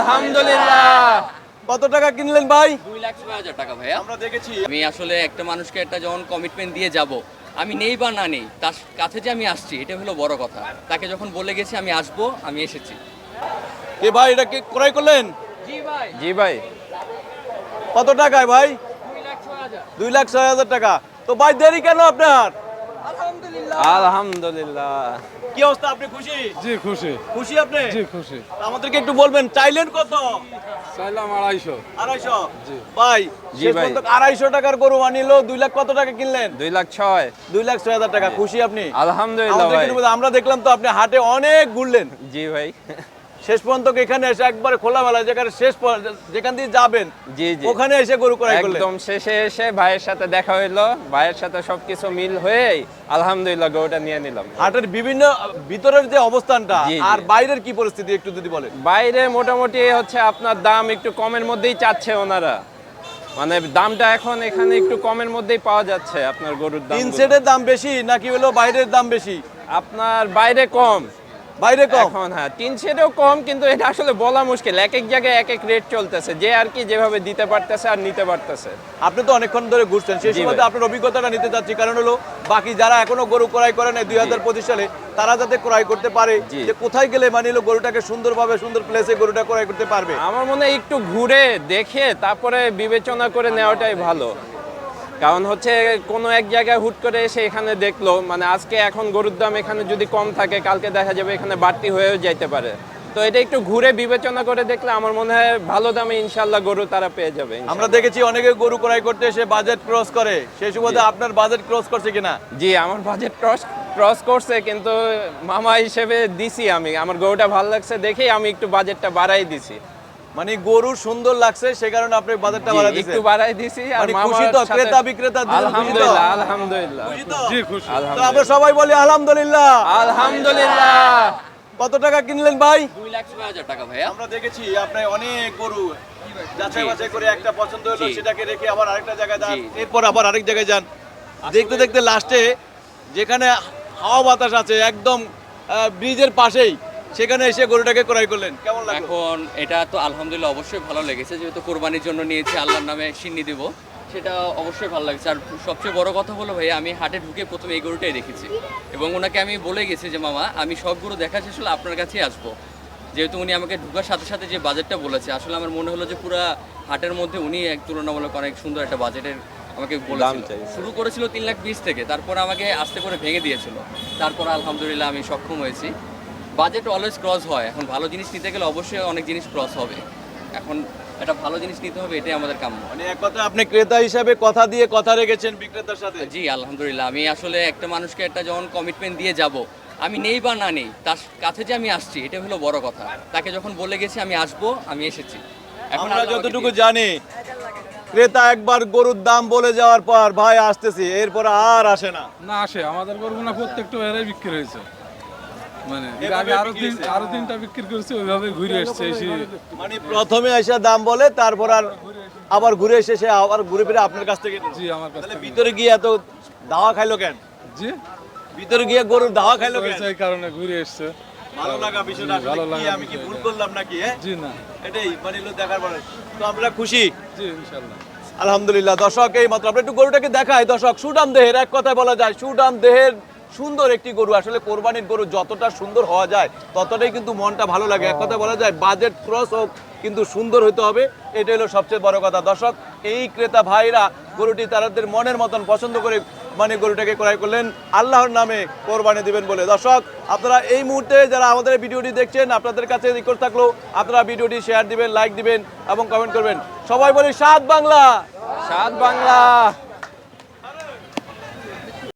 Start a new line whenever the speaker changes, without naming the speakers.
আলহামদুলিল্লাহ।
কত টাকা কিনলেন ভাই?
2,06,000 টাকা ভাইয়া।
আমরা দেখেছি।
আমি আসলে একটা মানুষকে একটা যখন কমিটমেন্ট দিয়ে যাব, আমি নেই বা না নেই তার কাছে যে আমি আসছি এটা হলো বড় কথা। তাকে যখন বলে গেছি আমি আসবো, আমি এসেছি।
এ ভাই এটা কি ক্রয় করলেন?
জি ভাই।
জি ভাই।
কত টাকায় ভাই?
2,06,000।
2,06,000 টাকা। তো ভাই দেরি কেন আপনার?
আলহামদুলিল্লাহ।
কি অবস্থা, আপনি খুশি?
জি খুশি।
খুশি আপনি?
জি খুশি।
আমাদেরকে একটু বলবেন চাইলেন কত?
চাইলাম 250।
250। ভাই
জি
শেষ
ভাই।
পর্যন্ত 250 টাকার গরু আনিলো। 2 লাখ কত টাকা কিনলেন?
2,06,000।
2,06,000 টাকা। খুশি আপনি?
আলহামদুলিল্লাহ ভাই।
আমাদেরকে একটু আমরা দেখলাম তো আপনি হাটে অনেক ঘুরলেন।
জি ভাই।
শেষ পর্যন্ত এখানে এসে একবারে খোলামেলা যেখানে যেখান দিয়ে যাবেন
জি জি।
ওখানে এসে গরু ক্রয় করলেন।
একদম শেষে এসে ভাইয়ের সাথে দেখা হইলো, ভাইয়ের সাথে সবকিছু মিল হয়েই আলহামদুলিল্লাহ গরুটা নিয়ে নিলাম।
হাটের বিভিন্ন ভিতরের যে অবস্থানটা
জি, জি।
আর বাইরের কি পরিস্থিতি একটু যদি বলেন।
বাইরে মোটামুটি হচ্ছে আপনার দাম একটু কমের মধ্যেই চাচ্ছে ওনারা, মানে দামটা এখন এখানে একটু কমের মধ্যেই পাওয়া যাচ্ছে। আপনার গরুর দাম
তিন সেটের দাম বেশি নাকি হলো বাইরের দাম বেশি?
আপনার বাইরে কম,
বাইরে কম।
এখন হ্যাঁ তিন সেটও কম, কিন্তু এটা আসলে বলা মুশকিল, এক এক জায়গায় এক এক রেট চলতেছে, যে আর কি যেভাবে দিতে পারতেছে আর নিতে পারতেছে।
আপনি তো অনেকক্ষণ ধরে ঘুরছেন, সেই
জি
সময়
ভাই।
আপনার অভিজ্ঞতাটা নিতে চাচ্ছি, কারণ হলো বাকি যারা এখনো গরু ক্রয় করে নাই 2025 সালে তারা যাতে ক্রয় করতে পারে,
জি।
যে কোথায় গেলে মানে হলো গরুটাকে সুন্দরভাবে সুন্দর প্লেসে গরুটা ক্রয় করতে পারবে।
আমার মনে হয় একটু ঘুরে দেখে তারপরে বিবেচনা করে নেওয়াটাই ভালো। কারণ হচ্ছে কোনো এক জায়গায় হুট করে এসে এখানে দেখলো, মানে আজকে এখন গরুর দাম এখানে যদি কম থাকে, কালকে দেখা যাবে এখানে বাড়তি হয়েও যাইতে পারে। তো এটা একটু ঘুরে বিবেচনা করে দেখলে আমার মনে হয় ভালো দামে ইনশাল্লাহ গরু তারা পেয়ে যাবে ইনশাল্লাহ।
আমরা দেখেছি অনেকে গরু ক্রয় করতে এসে বাজেট ক্রস করে, সেই সুবাদে আপনার বাজেট ক্রস করছে কিনা?
জি আমার বাজেট ক্রস করছে, কিন্তু মামা হিসেবে দিছি আমি, আমার গরুটা ভালো লাগছে দেখেই আমি একটু বাজেটটা বাড়াই দিছি।
মানে গরু সুন্দর লাগছে সে কারণে আপনি বাজেটটা
জি,
বাড়াই দিয়েছেন।
একটু বাড়াই দিছি। আর
মানে
মামার
খুশি তো,
সাথে-
ক্রেতা বিক্রেতা দুজন খুশি তো?
আলহামদুলিল্লাহ আলহামদুলিল্লাহ
খুশি তো?
জি খুশি।
তো আমরা
আলহামদুলিল্লাহ
সবাই বলি আলহামদুলিল্লাহ।
আলহামদুলিল্লাহ।
কত টাকা কিনলেন ভাই?
2,06,000 টাকা ভাইয়া।
আমরা দেখেছি আপনি অনেক গরু যাচাই
জি।
বাছাই করে একটা পছন্দ হলো
জি।
সেটাকে রেখে আবার আরেকটা জায়গায় যান,
জি।
এরপর আবার আরেক জায়গায় যান, দেখতে দেখতে লাস্টে যেখানে হাওয়া বাতাস আছে একদম ব্রিজের পাশেই, সেখানে এসে গরুটাকে ক্রয় করলেন। কেমন লাগলো?
এখন এটা তো আলহামদুলিল্লাহ অবশ্যই ভালো লেগেছে, যেহেতু কোরবানির জন্য নিয়েছি, আল্লাহর নামে সিন্নি দিব, সেটা অবশ্যই ভালো লাগছে। আর সবচেয়ে বড় কথা হলো ভাই, আমি হাটে ঢুকে প্রথমে এই গরুটাই দেখেছি এবং ওনাকে আমি বলে গেছি যে মামা আমি সব গরু দেখা শেষ হলে আপনার কাছেই আসবো, যেহেতু উনি আমাকে ঢুকার সাথে সাথে যে বাজেটটা বলেছে, আসলে আমার মনে হলো যে পুরো হাটের মধ্যে উনি এক তুলনামূলক অনেক সুন্দর একটা বাজেটের আমাকে বলেছিল।
চাইছে।
শুরু করেছিল 3,20,000 থেকে, তারপর আমাকে আস্তে করে ভেঙে দিয়েছিল, তারপর আলহামদুলিল্লাহ আমি সক্ষম হয়েছি। বাজেট অলওয়েজ ক্রস হয়, এখন ভালো জিনিস নিতে গেলে অবশ্যই অনেক জিনিস ক্রস হবে, এখন একটা ভালো জিনিস নিতে হবে, এটাই আমাদের কাম্য।
মানে এক কথা আপনি ক্রেতা হিসাবে কথা দিয়ে কথা রেখেছেন বিক্রেতার সাথে।
জি আলহামদুলিল্লাহ। আমি আসলে একটা মানুষকে একটা যখন কমিটমেন্ট দিয়ে যাব, আমি নেই বা না নেই তার কাছে যে আমি আসছি এটা হলো বড় কথা। তাকে যখন বলে গেছি আমি আসবো, আমি এসেছি। এখন
আমরা
আল্লাহ আমাকে
যতটুকু
দিয়েছে।
জানি ক্রেতা একবার গরুর দাম বলে যাওয়ার পর ভাই আসতেছি, এরপর আর আসে না।
না আসে, আমাদের গরুগুনা প্রত্যেকটা এরাই বিক্রি হয়েছে। মানে এর
এভাবে
আগে
বিক্রি হয়েছে?
আরো তিনটা বিক্রি করেছে, ওইভাবে ঘুরে এসছে এসে।
মানে প্রথমে এসে দাম বলে তারপর আর আবার ঘুরে এসে সে আবার ঘুরে ফিরে আপনার কাছ থেকে নিল।
জি আমার কাছ
তাহলে
থেকে।
ভিতরে গিয়ে এত দাওয়া খাইলো কেন?
জি
ভিতরে গিয়ে গরুর দাওয়া খাইলো কেন?
হয়েছে এই কারণে ঘুরে এসছে।
ভালো লাগা বিষয়টা
জি, ভালো
আসলে কি,
লাগা
আমি কি
বিষয়
ভুল
এটা।
করলাম নাকি? হ্যাঁ
জি না,
এটাই মানে হলো দেখার পরে তো আমরা খুশি
জি ইনশাল্লাহ।
আলহামদুলিল্লাহ। দর্শক এই মাত্র আমরা একটু গরুটাকে দেখাই। দর্শক সুঠাম দেহের, এক কথায় বলা যায় সুঠাম দেহের সুন্দর একটি গরু। আসলে কোরবানির গরু যতটা সুন্দর হওয়া যায় ততটাই কিন্তু মনটা ভালো লাগে। এক কথায় বলা যায় বাজেট ক্রস হোক কিন্তু সুন্দর হতে হবে, এটা হলো সবচেয়ে বড় কথা। দর্শক এই ক্রেতা ভাইরা গরুটি তাদের মনের মতন পছন্দ করে মানে গরুটাকে ক্রয় করলেন আল্লাহর নামে কোরবানি দিবেন বলে। দর্শক আপনারা এই মুহূর্তে যারা আমাদের ভিডিওটি দেখছেন, আপনাদের কাছে রিকোয়েস্ট থাকলো আপনারা ভিডিওটি শেয়ার দিবেন, লাইক দিবেন এবং কমেন্ট করবেন। সবাই বলি সাত বাংলা।
সাত বাংলা।